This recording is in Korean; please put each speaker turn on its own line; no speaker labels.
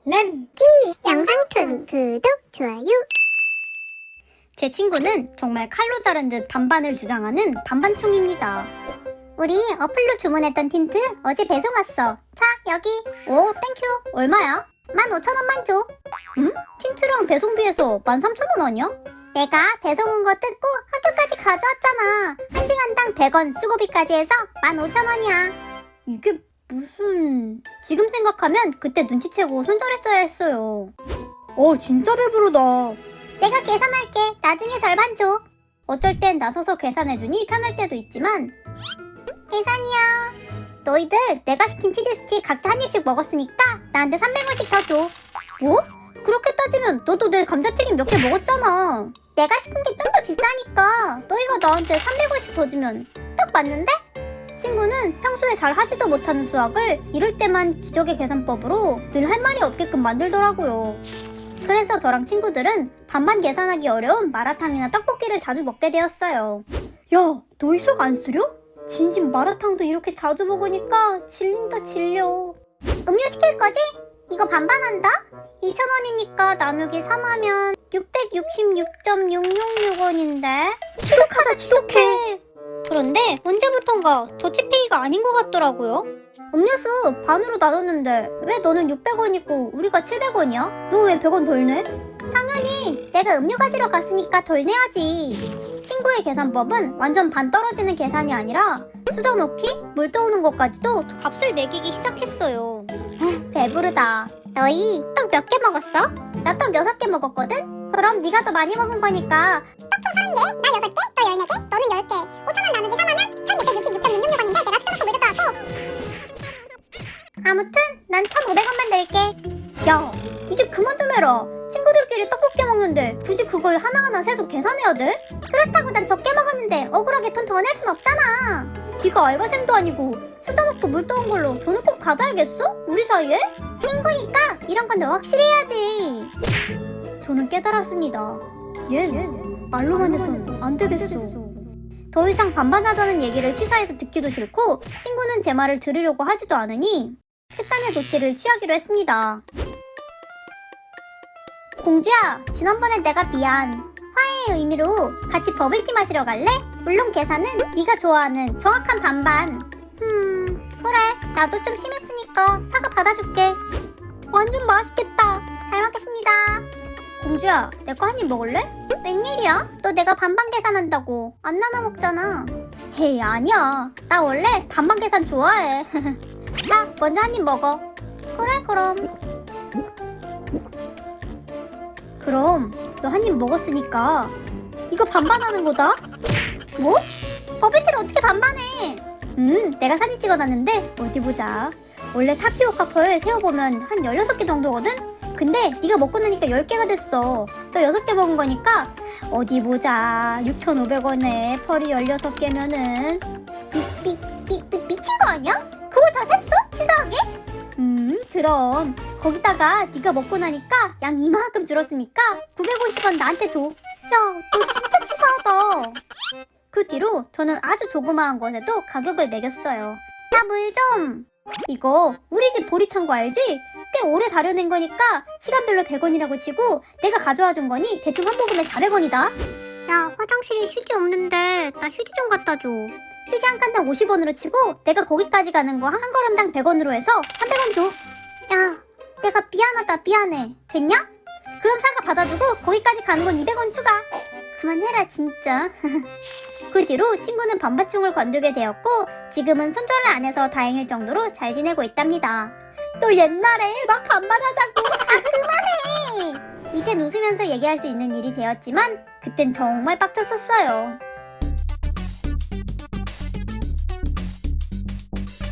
램지 영상툰 구독, 좋아요. 제 친구는 정말 칼로 자른 듯 반반을 주장하는 반반충입니다. 우리 어플로 주문했던 틴트 어제 배송 왔어. 자, 여기. 오, 땡큐. 얼마야? 15,000원만 줘. 응? 틴트랑 배송비에서 13,000원 아니야? 내가 배송 온 거 뜯고 학교까지 가져왔잖아. 1시간당 100원 수고비까지 해서 15,000원이야. 이게 무슨... 지금 생각하면 그때 눈치채고 손절했어야 했어요. 진짜 배부르다. 내가 계산할게. 나중에 절반 줘. 어쩔 땐 나서서 계산해주니 편할 때도 있지만. 계산이야. 너희들 내가 시킨 치즈 스틱 각자 한 입씩 먹었으니까 나한테 300원씩 더 줘. 뭐? 그렇게 따지면 너도 내 감자튀김 몇 개 먹었잖아. 내가 시킨 게 좀 더 비싸니까 너희가 나한테 300원씩 더 주면 딱 맞는데? 친구는 평소에 잘 하지도 못하는 수학을 이럴 때만 기적의 계산법으로 늘 할 말이 없게끔 만들더라고요. 그래서 저랑 친구들은 반반 계산하기 어려운 마라탕이나 떡볶이를 자주 먹게 되었어요. 야, 너희 속 안 쓰려? 진심 마라탕도 이렇게 자주 먹으니까 질린다 질려. 음료 시킬 거지? 이거 반반한다? 2,000원이니까 나누기 3하면 666.666원인데 지독하다 지독해. 그런데 언제부턴가 더치페이가 아닌 것 같더라고요. 음료수 반으로 나눴는데 왜 너는 600원이고 우리가 700원이야? 너 왜 100원 덜 내? 당연히 내가 음료 가지러 갔으니까 덜 내야지. 친구의 계산법은 완전 반 떨어지는 계산이 아니라 수저 넣기, 물 떠오는 것까지도 값을 매기기 시작했어요. 배부르다. 너희 떡 몇 개 먹었어? 나 떡 6개 먹었거든? 그럼 네가 더 많이 먹은 거니까 떡통 30개, 나 6개, 너 14개, 너는 10개. 5,000원 나누기 3하면 1,666.666원인데 내가 수저 넣고 물도 떠왔고. 아무튼 난 1,500원만 낼게. 야, 이제 그만 좀 해라. 친구들끼리 떡볶이 먹는데 굳이 그걸 하나하나 세서 계산해야 돼? 그렇다고 난 적게 먹었는데 억울하게 돈 더 낼 순 없잖아. 네가 알바생도 아니고 수저 넣고 물 떠온 걸로 돈을 꼭 받아야겠어? 우리 사이에? 친구니까 이런 건 너 확실히 해야지. 저는 깨달았습니다. 얘 말로만 해선 안 되겠어. 더 이상 반반하자는 얘기를 치사해서 듣기도 싫고 친구는 제 말을 들으려고 하지도 않으니 특단의 조치를 취하기로 했습니다. 공주야, 지난번에 내가 미안. 화해의 의미로 같이 버블티 마시러 갈래? 물론 계산은 네가 좋아하는 정확한 반반. 그래. 나도 좀 심했으니까 사과 받아줄게. 완전 맛있겠다. 잘 먹겠습니다. 공주야, 내 거 한 입 먹을래? 웬일이야? 너 내가 반반 계산한다고 안 나눠 먹잖아. 헤이, 아니야. 나 원래 반반 계산 좋아해. 자, 먼저 한 입 먹어. 그래, 그럼 너 한 입 먹었으니까 이거 반반하는 거다? 뭐? 버블티를 어떻게 반반해? 내가 사진 찍어놨는데 어디 보자. 원래 타피오카 펄 세어보면 한 16개 정도거든? 근데 네가 먹고 나니까 10개가 됐어. 너 6개 먹은 거니까 어디 보자. 6,500원에 펄이 16개면은 미친 거 아니야? 그걸 다 샜어? 치사하게? 그럼 거기다가 네가 먹고 나니까 양 이만큼 줄었으니까 950원 나한테 줘. 야, 너 진짜 치사하다. 그 뒤로 저는 아주 조그마한 것에도 가격을 매겼어요. 야, 물 좀. 이거 우리 집 보리창고 알지? 꽤 오래 다려낸 거니까 시간별로 100원이라고 치고 내가 가져와 준 거니 대충 한 모금에 400원이다. 야, 화장실에 휴지 없는데 나 휴지 좀 갖다 줘. 휴지 한 칸당 50원으로 치고 내가 거기까지 가는 거 한 걸음당 100원으로 해서 300원 줘. 야, 내가 미안하다. 미안해. 됐냐? 그럼 사과 받아두고 거기까지 가는 건 200원 추가. 그만해라 진짜. 그 뒤로 친구는 반반충을 관두게 되었고 지금은 손절을 안 해서 다행일 정도로 잘 지내고 있답니다. 또 옛날에 막 반반하자고. 그만해. 이젠 웃으면서 얘기할 수 있는 일이 되었지만 그땐 정말 빡쳤었어요.